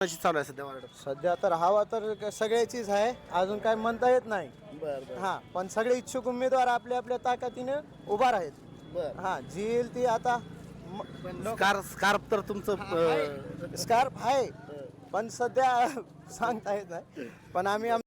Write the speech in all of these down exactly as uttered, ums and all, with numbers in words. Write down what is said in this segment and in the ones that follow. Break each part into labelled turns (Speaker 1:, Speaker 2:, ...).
Speaker 1: कशी चालू आहे सध्या वार्ड?
Speaker 2: सध्या तर हवा तर क- सगळ्याचीच आहे, अजून काय म्हणता येत नाही.
Speaker 1: बर
Speaker 2: हा, पण सगळे इच्छुक उमेदवार आपल्या आपल्या ताकदीने उभा आहेत.
Speaker 1: बर
Speaker 2: हा, जी येईल ती आता म- लोक-
Speaker 1: स्कार्फ स्कार्फ तर तुमचं अं,
Speaker 2: स्कार्फ आहे, पण सध्या सांगता येत नाही. पण आम्ही आम-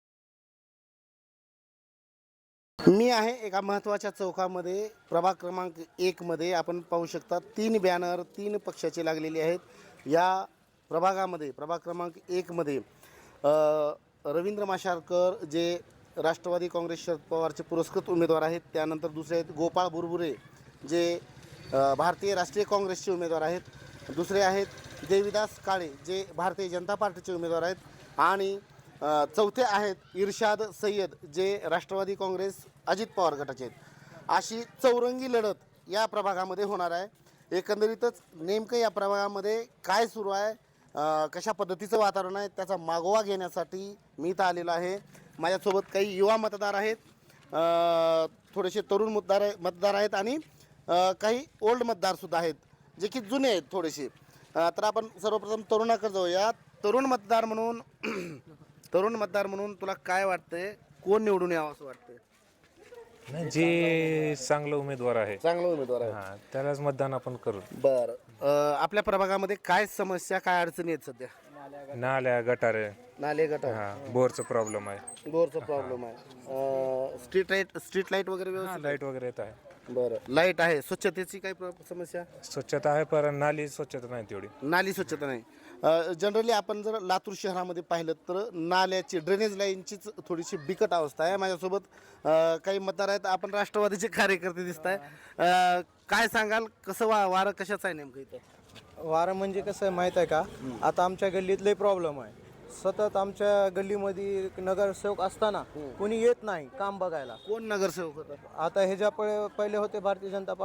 Speaker 1: मी आहे एका महत्त्वाच्या चौकामध्ये, प्रभाग क्रमांक एक मध्ये. आपण पाहू शकता तीन बॅनर तीन पक्षाचे लागलेले आहेत या प्रभागामध्ये. प्रभाग क्रमांक एक मध्ये अ, रवींद्र माशारकर जे राष्ट्रवादी काँग्रेस शरद पवारचे पुरस्कृत उमेदवार आहेत. त्यानंतर दुसरे आहेत गोपाळ बुरबुरे जे अ, भारतीय राष्ट्रीय काँग्रेसचे उमेदवार आहेत. दुसरे आहेत देविदास काळे जे भारतीय जनता पार्टीचे उमेदवार आहेत. आणि अ, चौथे आहेत इर्शाद सय्यद जे राष्ट्रवादी काँग्रेस अजित पवार गटाचे आहेत. अशी चौरंगी लढत या प्रभागामध्ये होणार आहे. एकंदरीतच नेमकं या प्रभागामध्ये काय सुरू आहे, अ, कशा पद्धतीचं वातावरण आहे, त्याचा मागोवा घेण्यासाठी मी इथं आलेलो आहे. माझ्यासोबत काही युवा मतदार आहेत, अ, थोडेसे तरुण मतदार आहे मतदार आहेत आणि अ, काही ओल्ड मतदारसुद्धा आहेत जे की जुने आहेत थोडेसे. अ, तर आपण सर्वप्रथम तरुणाकडे जाऊया. तरुण मतदार म्हणून तरुण मतदार म्हणून तुला काय वाटतंय, कोण निवडून यावं असं वाटतंय?
Speaker 3: नाही, जे चांगलं उमेदवार आहे
Speaker 1: चांगला उमेदवार आहे.
Speaker 3: हा त्यालाच मतदान आपण करू.
Speaker 1: बरं, आपल्या प्रभागामध्ये काय समस्या काय अडचणी आहेत सध्या?
Speaker 3: नाल्या गटारे,
Speaker 1: नाले गटार,
Speaker 3: हा बोरचा प्रॉब्लेम आहे,
Speaker 1: बोरचा प्रॉब्लेम आहे, स्ट्रीट लाईट स्ट्रीट लाईट वगैरे व्यवस्थित?
Speaker 3: लाईट वगैरे येत आहे,
Speaker 1: बरं, लाईट आहे. स्वच्छतेची काही प्र- समस्या?
Speaker 3: स्वच्छता आहे पण नाली स्वच्छता नाही तेवढी.
Speaker 1: नाली स्वच्छता नाही. जनरली आपण जर लातूर शहरामध्ये पाहिलं तर नाल्याची ड्रेनेज लाईनचीच थोडीशी बिकट अवस्था आहे. माझ्यासोबत अ, काही मतदार आहेत. आपण राष्ट्रवादीचे कार्यकर्ते दिसत आहे. काय सांगाल, कसं वा वारं कशाचं आहे नेमकं इथं?
Speaker 2: वारं म्हणजे कसं आहे माहीत आहे का, आता आमच्या गल्लीत लय प्रॉब्लेम आहे. सतत आमच्या गल्लीमध्ये नगरसेवक असताना कोणी येत नाही काम बघायला.
Speaker 1: कोण नगरसेवक होता?
Speaker 2: आता ह्याच्या पहिले पहिले होते भारतीय जनता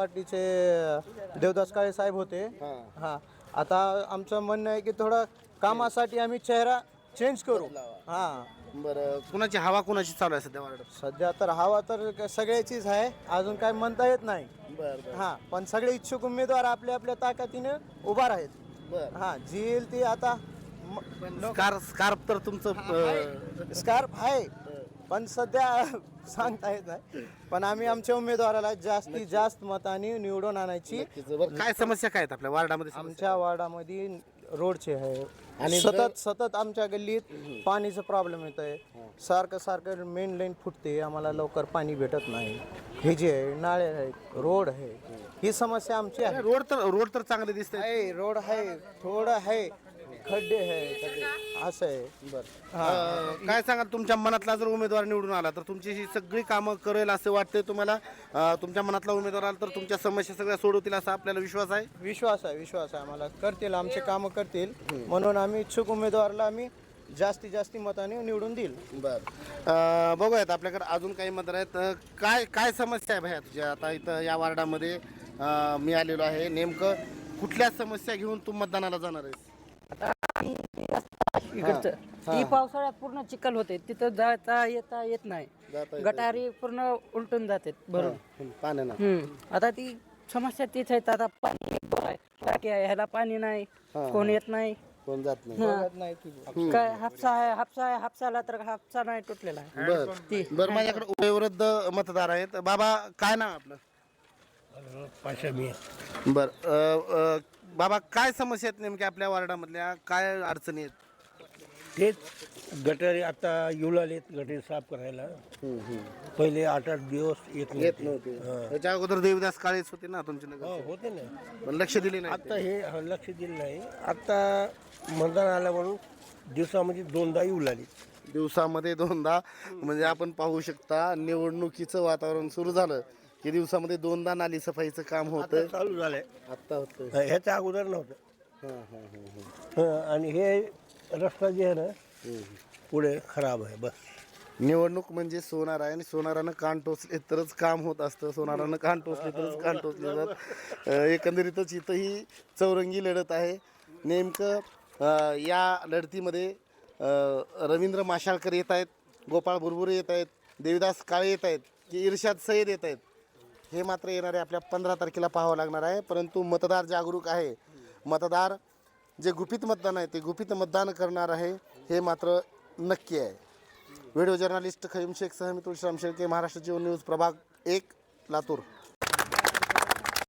Speaker 2: पार्टीचे देवदास काळे साहेब होते. हा, आता आमचं म्हणणं आहे की थोडं कामासाठी आम्ही चेहरा चेंज करू. हा,
Speaker 1: बरं, कुणाची हवा कुणाची चालू आहे सध्या वार्ड?
Speaker 2: सध्या तर हवा तर क- सगळ्याचीच आहे, अजून काय म्हणता येत नाही.
Speaker 1: बरं
Speaker 2: हा, पण सगळे इच्छुक उमेदवार आपल्या आपल्या ताकदीने उभा आहेत.
Speaker 1: बरं.
Speaker 2: हा, जी येईल ती आता म- लोक-
Speaker 1: स्कार्फ स्कार्फ तर तुमचं अं,
Speaker 2: स्कार्फ आहे, पण सध्या सांगता येत नाही. पण आम्ही आमच्या उमेदवाराला जास्तीत जास्त मताने निवडून आणायची.
Speaker 1: बरं, काय समस्या काय आहेत आपल्या वार्डामध्ये समस्या?
Speaker 2: आमच्या वार्डामध्ये रोडचे आहे
Speaker 1: आणि
Speaker 2: आणि सतत सतत आमच्या गल्लीत पाणीचं प्रॉब्लेम येत आहे. सारखं सारखं मेन लाईन फुटते, आम्हाला लवकर पाणी भेटत नाही. हे जे आहे नाळे आहेत, रोड आहे, ही समस्या आमची आहे.
Speaker 1: रोड तर रोड तर चांगले दिसते.
Speaker 2: आहे रोड आहे, थोडं आहे, खड्डे आहे खड्डे असं आहे.
Speaker 1: बरं, काय सांगाल, तुमच्या मनातला जर उमेदवार निवडून आला तर तुमची ही सगळी कामं करेल असं वाटतंय तुम्हाला? अं, तुमच्या मनातला उमेदवार आला तर तुमच्या समस्या सगळ्या सोडवतील असा आपल्याला विश्वास आहे?
Speaker 2: विश्वास आहे विश्वास आहे आम्हाला करतील, आमचे कामं करतील. म्हणून आम्ही इच्छुक उमेदवाराला आम्ही जास्तीत जास्त मताने निवडून देईल.
Speaker 1: बरं, बघूयात आपल्याकडे अजून काही मतदार आहेत. अं, काय काय समस्या आहे भैया तुझ्या आता इथं या वार्डामध्ये? अं, मी आलेलो आहे, नेमकं कुठल्या समस्या घेऊन तू मतदानाला जाणार आहेस?
Speaker 4: इकडचं ती पावसाळ्यात पूर्ण चिखल होते, तिथं जाता येता येत नाही.
Speaker 1: जाता येता
Speaker 4: गटारी पूर्ण उलटून जाते भरून.
Speaker 1: हं, पाण्यानं.
Speaker 4: हम्म आता ती समस्या तीच आहे. आता पाणी आहे, टाकी आहे, ह्याला पाणी नाही, कोण येत नाही.
Speaker 1: कोण जात नाही.
Speaker 4: हा. काय हापसा आहे हापसा आहे हापसाला तर हापसा नाही तुटलेला आहे.
Speaker 1: बर
Speaker 4: ती
Speaker 1: बर माझ्याकडे वयोवृद्ध मतदार आहेत. बाबा, काय नाव आपलं? बर, अ, अ, बाबा, काय समस्या आहेत नेमक्या आपल्या वार्डामधल्या, काय अडचणी आहेत?
Speaker 5: तेच गटारी आता येऊ लागलेत, गटारी साफ करायला. पहिले आठ आठ दिवस येत
Speaker 1: येत
Speaker 5: नव्हते.
Speaker 1: नव्हते. त्याच्या अगोदर देवदास काळेच होते ना तुमचे
Speaker 5: हो,
Speaker 1: नगर,
Speaker 5: होते ना.
Speaker 1: पण लक्ष दिले नाही.
Speaker 5: आता हे हा, लक्ष दिलं नाही. आता मतदान आलं म्हणून दिवसामध्ये दोनदा येऊ लागले.
Speaker 1: दिवसामध्ये दोनदा, म्हणजे आपण पाहू शकता निवडणुकीचं वातावरण सुरू झालं की दिवसामध्ये दोनदा नाली सफाईचं काम होतं.
Speaker 5: आता चालू झालंय.
Speaker 1: आता होतं.
Speaker 5: ह्याच्या अगोदर नव्हतं.
Speaker 1: हां हां हां
Speaker 5: हं, आणि हे रस्ता जे आहे ना पुढे खराब आहे. बस
Speaker 1: निवडणूक म्हणजे सोनार आहे आणि सोनारानं कान टोचले तरच काम होत असतं, सोनारानं कान टोचले तरच कान टोचले जात. अं, एकंदरीतच इथं ही चौरंगी लढत आहे. नेमकं अं, या लढतीमध्ये अं, रवींद्र माशाळकर येत आहेत, गोपाळ बुरबुरे येत आहेत, देविदास काळे येत आहेत की इर्शाद सय्यद येत आहेत, हे मात्र येणारे आपल्या पंधरा तारखेला पाहावं लागणार आहे. परंतु मतदार जागरूक आहे. मतदार जे गुपित मतदान आहे ते गुपित मतदान करणार आहे हे मात्र नक्की आहे. व्हिडिओ जर्नलिस्ट खैम शेख सह मी तुळशीराम शेळके, महाराष्ट्र जीवन न्यूज, प्रभाग एक, लातूर.